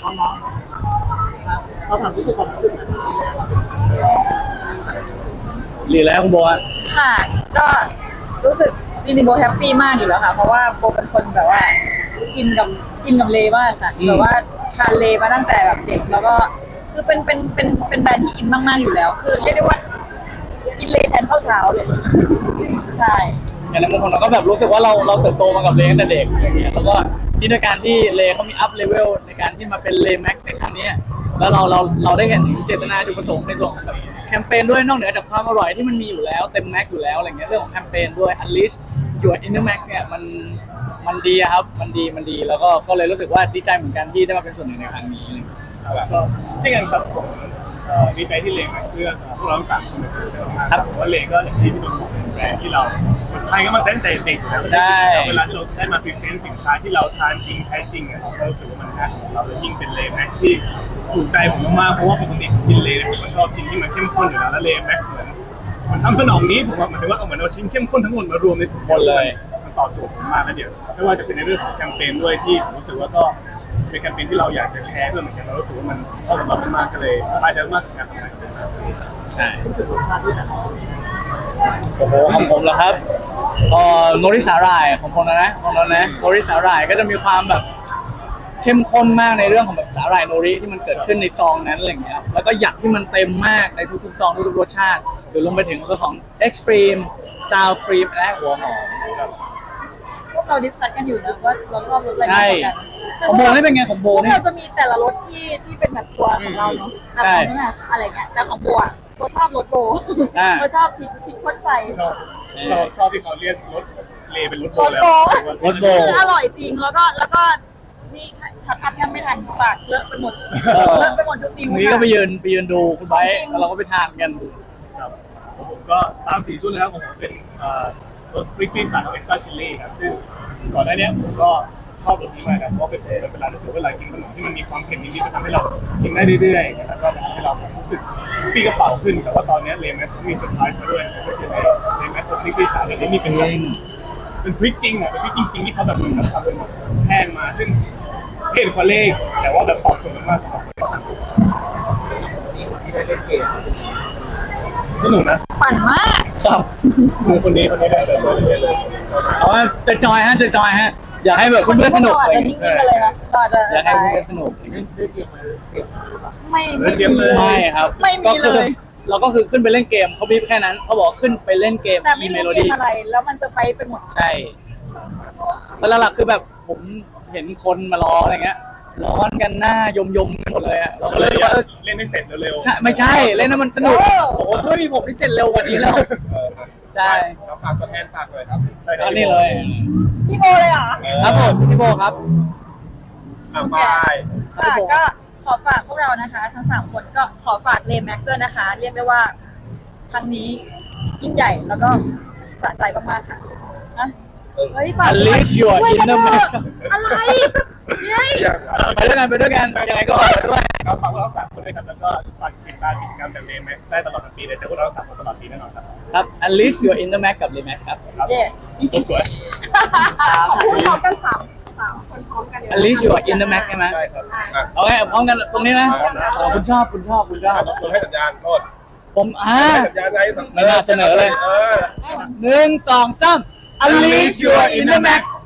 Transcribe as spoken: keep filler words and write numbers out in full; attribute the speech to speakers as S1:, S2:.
S1: น้องๆครับเขาถามรู้สึกความรู้สึกนะครับ
S2: รีแล้วคุณโบฮะ
S3: ค่ะก็รู้สึกจริงๆโบแฮปปี้มากอยู่แล้วค่ะเพราะว่าโบเป็นคนแบบว่าอินกับอินกับเลมากค่ะแบบว่าทานเลมาตั้งแต่แบบเด็กแล้วก็คือเป็นเป็นเป็นเป็นแบรนด์ที่อินมากๆอยู่แล้วคือเรียกได้ว่ากินเลแทนข้าวเช้าเลยใช่
S2: อย่างในมุมของเราก็แบบรู้สึกว่าเราเราเติบโตมากับเลตั้งแต่เด็กอย่างเงี้ยแล้วก็ที่ในการที่เลเขามีอัพเลเวลในการที่มาเป็นเลแม็กซ์ในครั้งนี้แล้วเราเราเราได้เห็นเจตนาจุดประสงค์ในส่วนของแบบแคมเปญด้วยนอกเหนือจากความอร่อยที่มันมีอยู่แล้วเต็มแม็กซ์อยู่แล้วอะไรเงี้ยเรื่องของแคมเปญด้วย Unleash Your Inner Max เนี่ยมันมันดีครับมันดีมันดีแล้วก็ก็เลยรู้สึกว่าดีใจเหมือนกันที่ได้มาเป็นส่วนหนึ่งในครั้งนี้
S4: ครับก็เช่นกันครับผมดีใจที่เลมาเลือกพวกเราสามคนเป็นคนเลือกมาครับว่าเลก็อย่างที่พี่นนท์บอกเป็นแบรนด์ที่เราคนไทยก็มาตั้งแต่เด็กอยู่แล้วเวลาที่เราได้มาพรีเซนต์สินค้าที่เราทานจริงใช้จริงอ่ะเรารู้สึกว่ามันน่าสนใจเราเลยยิ่งเป็นเลแม็กซ์ที่ถูกใจผมมากๆเพราะว่าปกติกินเลผมก็ชอบชิ้นที่มันเข้มข้นอยู่แล้วแล้วเลแม็กซ์เหมือนมันทำสนองนี้ผมว่าหมายถึงว่าเอาเหมือนเอาชิ้นเข้มข้นทั้งหมดมารวมในถุงหมดเลยมันตอบโจทย์ผมมากแล้วเดี๋ยวไม่ว่าจะเป็นในเรื่องของแคมเปญด้วยที่ผมรู้สึกว่าก็เป็นแคมเปญที่เราอยากจะแชร์เพื่อเหมือนกันเรารู้สึกว่ามันเข้ากับเรามากก็เลยสบายใจมากกับการทำงานกับมัน
S2: ใช่
S1: พูดถึงรสชาติที่แบบ
S2: โอ้โหของผมเหรอครับเอ่อโนริสาหร่ายของผมนะนะของเรานะโนริสาหร่ายก็จะมีความแบบเข้มข้นมากในเรื่องของแบบสาหร่ายโนริที่มันเกิดขึ้นในซองนั้นอะไรอย่างเงี้ยแล้วก็หยักที่มันเต็มมากในทุกๆซองทุกๆรสชาติหรือลงไปถึงเรื่องของ Extreme Sour Cream และหัวหอม
S3: พวกเราดิสคัสกันอยู่นะว่าเราชอบรสอะไรมากกว่ากัน
S2: ของโบนี่เป็นไงของโบนี่
S3: เราจะมีแต่ละรสที่ที่เป็นแบบตัวของเราเนาะแบบของนั่นอะไรเงี้ยแต่ของโบอ่ะโบชอบรสโบโบชอบพริกพริกข้นไฟ
S4: ชอบชอบชอบที่เขาเรียกรสเลเป็นรสโบแล้ว
S2: รสโบ
S3: อร่อยจริงแล้วก็แล้วก็นี่ทับทับยังไม่ทันปากเลอะไปหมดเลอะไปหมดทุกนิ้ว
S2: นี่ก็ไปยืนไปยืนดูคุณไบค์แล้วเราก็ไปทานกัน
S4: ครับผมก็ตามสีชุดแล้วของผมเป็นรสพริกปี้สายเอ็กซ์ตร้าชิลลี่ครับซึ่งก่อนหน้านี้ผมก็ชอบรสนี้มากครับเพราะเป็นเวลารู้สึกว่าเวลากินขนมที่มันมีความเผ็ดนิดๆจะทำให้เรากินได้เรื่อยๆแล้วก็ทำให้เรารู้สึกปี้กระเป๋าขึ้นแต่ว่าตอนนี้เลมแมสมีเซอร์ไพรส์มาด้วยก็คือในเลมแมสพริกปี้สายเนี่ยมีเป็นเป็นพริกจริงอ่ะเป็นพริกจริงๆที่เขาแบบเหมือนกับทำเป็นแห้งมาซึ่งเห็นกว่าเลขแต่ว่าแบบตอบโจทย์มากสำหรับที่ได้เล่นเกมสนุกนะ
S3: ปั่นมาก
S2: ครับ
S4: คือคนนี้คนนี้ได้เลยเลย
S2: เอาว่าจะจอยฮะจะจอยฮะอยากให้แบบเพื่อนๆสนุกอะไรอย่างเงี้ยอยากให้เพื่อนๆสนุก
S3: ไม่
S2: ไม่ไม่ครับ
S3: ไม่มีเลย
S2: เราก็คือขึ้นไปเล่นเกมเขาบีบแค่นั้นเขาบอกขึ้นไปเล่นเกม
S3: แต่ไม่รู้เกมอะไรแล้วมันเซอร์ไพรส์ไปหมด
S2: ใช่แล้วหลักคือแบบผมเห็นคนมารออะไรเงี้ยร้อนกันหน้ายมยมหมดเลยอ่ะเราก็เลยว่า
S4: เล่นให้เสร็จเร็ว
S2: ๆใช่ไม่ใช่เล่นให้มันสนุกโอ้โหถ้าไม่มีผมที่เสร็จเร็วกว่านี้แล้วใช่
S4: เราฝากตัวแทนฝากเลยครับ
S2: อันนี้เลย
S3: พี่โบเลยเหรอ
S2: ครับผมพี่โบครับ
S4: บาย
S3: ค่ะก็ขอฝากพวกเรานะคะทั้งสามคนก็ขอฝากเลมแม็กซ์นะคะเรียกได้ว่าครั้งนี้ยิ่งใหญ่แล้วก็สะใจมากๆค่ะนะเฮ้ย
S2: Unleash Your Inner Max
S3: อะไรเนี่ย
S2: ไปด้วยกันไปด้วยกันยังไงก็ไปด้วย
S4: ครับฝากพวกเราสามคนด้วยครับแล้วก็ฝากติดตามกิจกรรมจากเลแม็กซ์ได้ตลอดทั้งปีเลยจะพวกเราสามคนตลอดปีแน่นอนครับ
S2: ครับ Unleash Your Inner Max กับ Lemex ครับ
S4: ครับสวย
S3: ขอบคุณพร้อมกันสามสามคนพร้อมกัน
S2: Unleash Your Inner Max ใช่ไหม
S4: ใช่ครับ
S2: เอาไงพร้อมกันตรงนี้นะคุณชอบคุณชอบคุณชอบ
S4: คุณให้สัญญาณโทษ
S2: ผมอ่า
S4: สัญญาณไง
S2: ไม่น่าเสนอเลยหนึ่งสองสาม Unleash Your Inner Max